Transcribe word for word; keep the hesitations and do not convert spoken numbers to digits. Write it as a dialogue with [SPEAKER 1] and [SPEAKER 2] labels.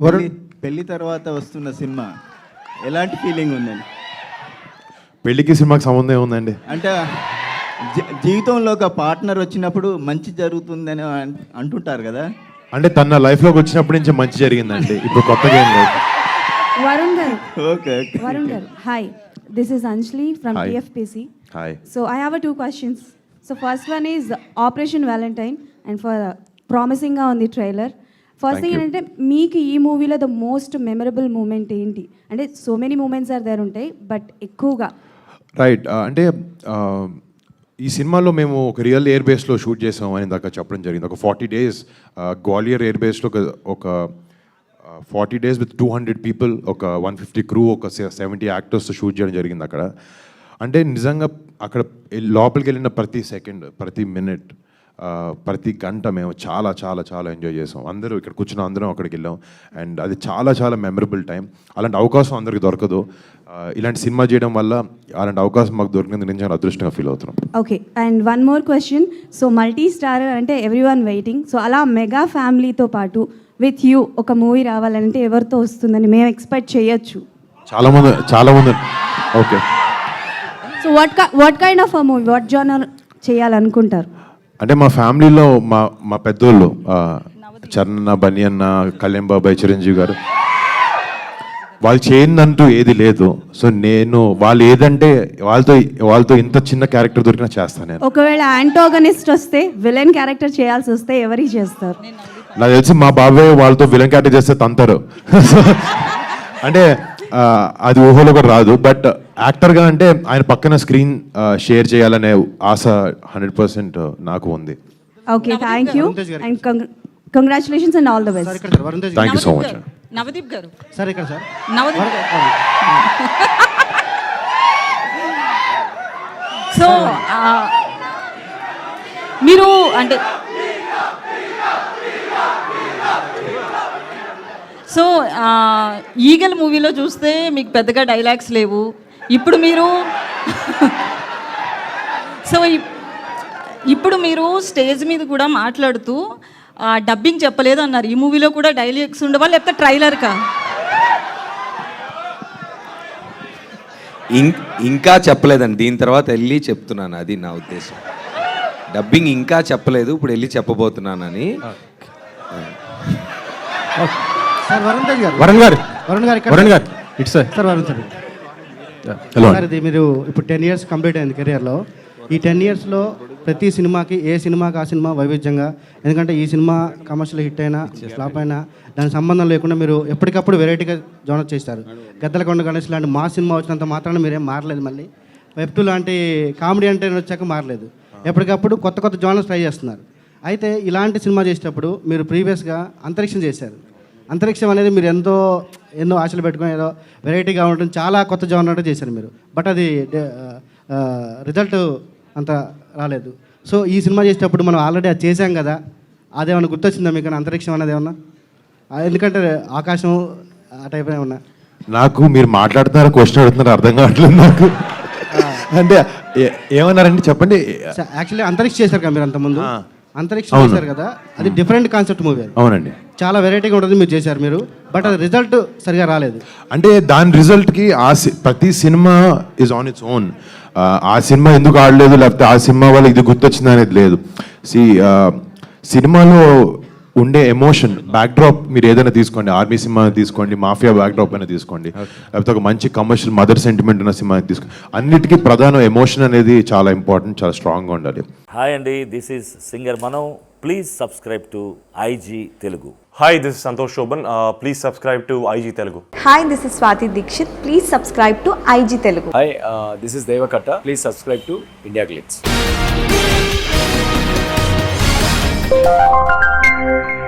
[SPEAKER 1] పెళ్లి పెళ్లి తర్వాత వస్తున్న సినిమా ఎలాంటి ఫీలింగ్ ఉందండి?
[SPEAKER 2] పెళ్లికి సినిమాకి సంబంధం ఏముందండి?
[SPEAKER 1] అంటే జీ- జీవితంలో ఒక పార్ట్నర్ వచ్చినప్పుడు మంచి జరుగుతుందని అన్- అంటుంటారు కదా.
[SPEAKER 2] అంటే తన లైఫ్లోకి వచ్చినప్పటి నుంచి మంచి జరిగిందండి, ఇప్పుడు కొత్తగా ఏం లేదు.
[SPEAKER 3] వరుణ్ గారు
[SPEAKER 1] okay okay
[SPEAKER 3] Varun garu hi, this is Anjali from
[SPEAKER 2] Hi.
[SPEAKER 3] TFPC.
[SPEAKER 2] Hi.
[SPEAKER 3] So I have two questions. So first one is operation valentine and for ప్రామిసింగ్గా ఉంది trailer. First
[SPEAKER 2] Thank
[SPEAKER 3] thing
[SPEAKER 2] you.
[SPEAKER 3] ఏంటంటే మీకు ఈ మూవీలో ద మోస్ట్ మెమరబుల్ మూమెంట్ ఏంటి? అంటే so many moments are there ఉంటాయి, but ఎక్కువగా
[SPEAKER 2] రైట్, అంటే ఆ, ఈ సినిమాలో మేము ఒక రియల్ ఎయిర్ బేస్లో షూట్ చేసాం అని దాకా చెప్పడం జరిగింది. ఒక ఫార్టీ డేస్ గ్వాలియర్ ఎయిర్ బేస్లో ఒక ఒక forty days with two hundred people, ఒక వన్ ఫిఫ్టీ క్రూ, ఒక సెవెంటీ యాక్టర్స్తో షూట్ చేయడం జరిగింది అక్కడ. అంటే నిజంగా అక్కడ లోపలికి వెళ్ళిన ప్రతి సెకండ్, ప్రతి మినిట్, ప్రతి గంట మేము చాలా చాలా చాలా ఎంజాయ్ చేసాం. అందరూ ఇక్కడ కూర్చున్న అందరం అక్కడికి వెళ్ళాం. అండ్ అది చాలా చాలా మెమరబుల్ టైం. అలాంటి అవకాశం అందరికి దొరకదు. ఆ, ఇలాంటి సినిమా చేయడం వల్ల అలాంటి అవకాశం మాకు దొరికినందుకు నేను చాలా అదృష్టంగా ఫీల్ అవుతున్నాం.
[SPEAKER 3] Okay. And one more question. So multi star అంటే ఎవ్రీ వన్ వెయిటింగ్. సో అలా మెగా ఫ్యామిలీతో పాటు విత్ యూ ఒక మూవీ రావాలంటే ఎవరితో వస్తుందని మేము ఎక్స్పెక్ట్ చేయొచ్చు?
[SPEAKER 2] చాలా మంది చాలా మంది okay.
[SPEAKER 3] So what what kind of a movie, what genre చేయాలనుకుంటారు?
[SPEAKER 2] అంటే మా ఫ్యామిలీలో మా మా పెద్దోళ్ళు ఆ, చరణ్, బన్నీ అన్న, కళ్యాణ్ బాబాయ్, చిరంజీవి గారు, వాళ్ళు చేయందంటూ ఏది లేదు. సో నేను వాళ్ళు ఏదంటే వాళ్ళతో వాళ్ళతో ఇంత చిన్న క్యారెక్టర్ దొరికినా చేస్తాను నేను.
[SPEAKER 3] ఒకవేళ యాంటోగనిస్ట్ వస్తే, విలన్ క్యారెక్టర్ చేయాల్సి వస్తే ఎవరికి చేస్తారు?
[SPEAKER 2] నాకు తెలిసి మా బాబాయ్ వాళ్ళతో విలన్ క్యారెక్టర్ చేస్తే తంతారు. అంటే ఆ, అది ఊహలో కూడా రాదు. బట్ యాక్టర్గా అంటే ఆయన పక్కన స్క్రీన్ షేర్ చేయాలనే ఆశ హండ్రెడ్ పర్సెంట్ నాకు ఉంది.
[SPEAKER 3] Okay, thank you and congratulations and all the best.
[SPEAKER 4] ఇక్కడ sir Varun Tej
[SPEAKER 2] thank you so much.
[SPEAKER 5] Navdeep garu
[SPEAKER 4] sir ఇక్కడ సార్
[SPEAKER 5] నవదీప్ గారు సో ఆ, మీరు అంటే సో ఆ, ఈగల్ మూవీలో చూస్తే మీకు పెద్దగా డైలాగ్స్ లేవు. ఇప్పుడు మీరు సో ఇప్- ఇప్పుడు మీరు స్టేజ్ మీద కూడా మాట్లాడుతూ ఆ, డబ్బింగ్ చెప్పలేదు అన్నారు. ఈ మూవీలో కూడా డైలాగ్స్ ఉండవా, లేకపోతే ట్రైలర్కా?
[SPEAKER 6] ఇం- ఇంకా చెప్పలేదండి, దీని తర్వాత వెళ్ళి చెప్తున్నాను, అది నా ఉద్దేశం. డబ్బింగ్ ఇంకా చెప్పలేదు, ఇప్పుడు వెళ్ళి చెప్పబోతున్నానని.
[SPEAKER 4] సార్ వరుణ్ తేజ్ గారు
[SPEAKER 1] వరుణ్ గారు
[SPEAKER 4] వరుణ్ గారు ఇక్కడ
[SPEAKER 1] Varun garu it's
[SPEAKER 4] sir Varun sir
[SPEAKER 2] hello.
[SPEAKER 4] Sir ఇది మీరు ఇప్పుడు టెన్ ఇయర్స్ కంప్లీట్ అయింది కెరియర్లో. ఈ టెన్ ఇయర్స్లో ప్రతి సినిమాకి ఏ సినిమాకి ఆ సినిమా వైవిధ్యంగా, ఎందుకంటే ఈ సినిమా కమర్షియల్ హిట్ అయినా ఫ్లాప్ అయినా దానికి సంబంధం లేకుండా మీరు ఎప్పటికప్పుడు వెరైటీగా జోనర్ చేస్తారు. గద్దలకొండ గణేష్ లాంటి మా సినిమా వచ్చినంత మాత్రాన మీరేం మారలేదు. మళ్ళీ వెబ్ టూ లాంటి కామెడీ అంటే వచ్చాక మారలేదు. ఎప్పటికప్పుడు కొత్త కొత్త జోనర్స్ ట్రై చేస్తున్నారు. అయితే ఇలాంటి సినిమా చేసేటప్పుడు మీరు ప్రీవియస్గా అంతరిక్షం చేశారు. అంతరిక్షం అనేది మీరు ఎంతో ఎన్నో ఆశలు పెట్టుకొని ఏదో వెరైటీగా ఉండడం, చాలా కొత్త జోనర్ చేశారు మీరు. బట్ అది రిజల్ట్ అంత రాలేదు. సో ఈ సినిమా చేసేటప్పుడు మనం ఆల్రెడీ అది చేశాం కదా, అదేమన్నా గుర్తొచ్చిందా మీకు అంతరిక్షం అన్నది ఏమన్నా? ఆ, ఎందుకంటే ఆకాశం ఆ టైప్ ఏమన్నా?
[SPEAKER 2] నాకు మీరు మాట్లాడుతున్నారు, క్వశ్చన్ అడుగుతున్నారు, అర్థం కావట్లేదు నాకు. అంటే ఏ- ఏమన్నారండి చెప్పండి.
[SPEAKER 4] యాక్చువల్లీ అంతరిక్ష చేశారు కదా మీరు అంతకుముందు.
[SPEAKER 2] ఆ.
[SPEAKER 4] అంతరిక్షం
[SPEAKER 2] అవును.
[SPEAKER 4] చేశారు కదా, అది డిఫరెంట్ కాన్సెప్ట్ మూవీ. అది
[SPEAKER 2] అవునండి.
[SPEAKER 4] చాలా వెరైటీగా ఉంటుంది మీరు చేశారు మీరు, బట్ అది రిజల్ట్ సరిగా రాలేదు.
[SPEAKER 2] అంటే దాని రిజల్ట్కి ఆ సి- ప్రతి cinema is on its own. ఆ సినిమా ఎందుకు ఆడలేదు, లేకపోతే ఆ సినిమా వల్ల ఇది గుర్తొచ్చింది అనేది లేదు. సి సినిమాలో ఉండే ఎమోషన్ బ్యాక్డ్రాప్ మీరు ఏదైనా తీసుకోండి, ఆర్మీ సినిమా తీసుకోండి, మాఫియా బ్యాక్డ్రాప్ అయినా తీసుకోండి, లేకపోతే ఒక మంచి కమర్షియల్ మదర్ సెంటిమెంట్ ఉన్న సినిమా తీసుకోండి, అన్నిటికీ ప్రధాన ఎమోషన్ అనేది చాలా ఇంపార్టెంట్, చాలా స్ట్రాంగ్గా ఉండాలి.
[SPEAKER 7] హాయ్ అండి, this is singer Mano. Please subscribe to IG Telugu.
[SPEAKER 8] Hi, this is Santosh Shoban. Uh, please subscribe to I G Telugu.
[SPEAKER 9] Hi, this is Swati Dikshit. Please subscribe to I G Telugu.
[SPEAKER 10] Hi, uh, this is Devakatta. Please subscribe to India Glitz.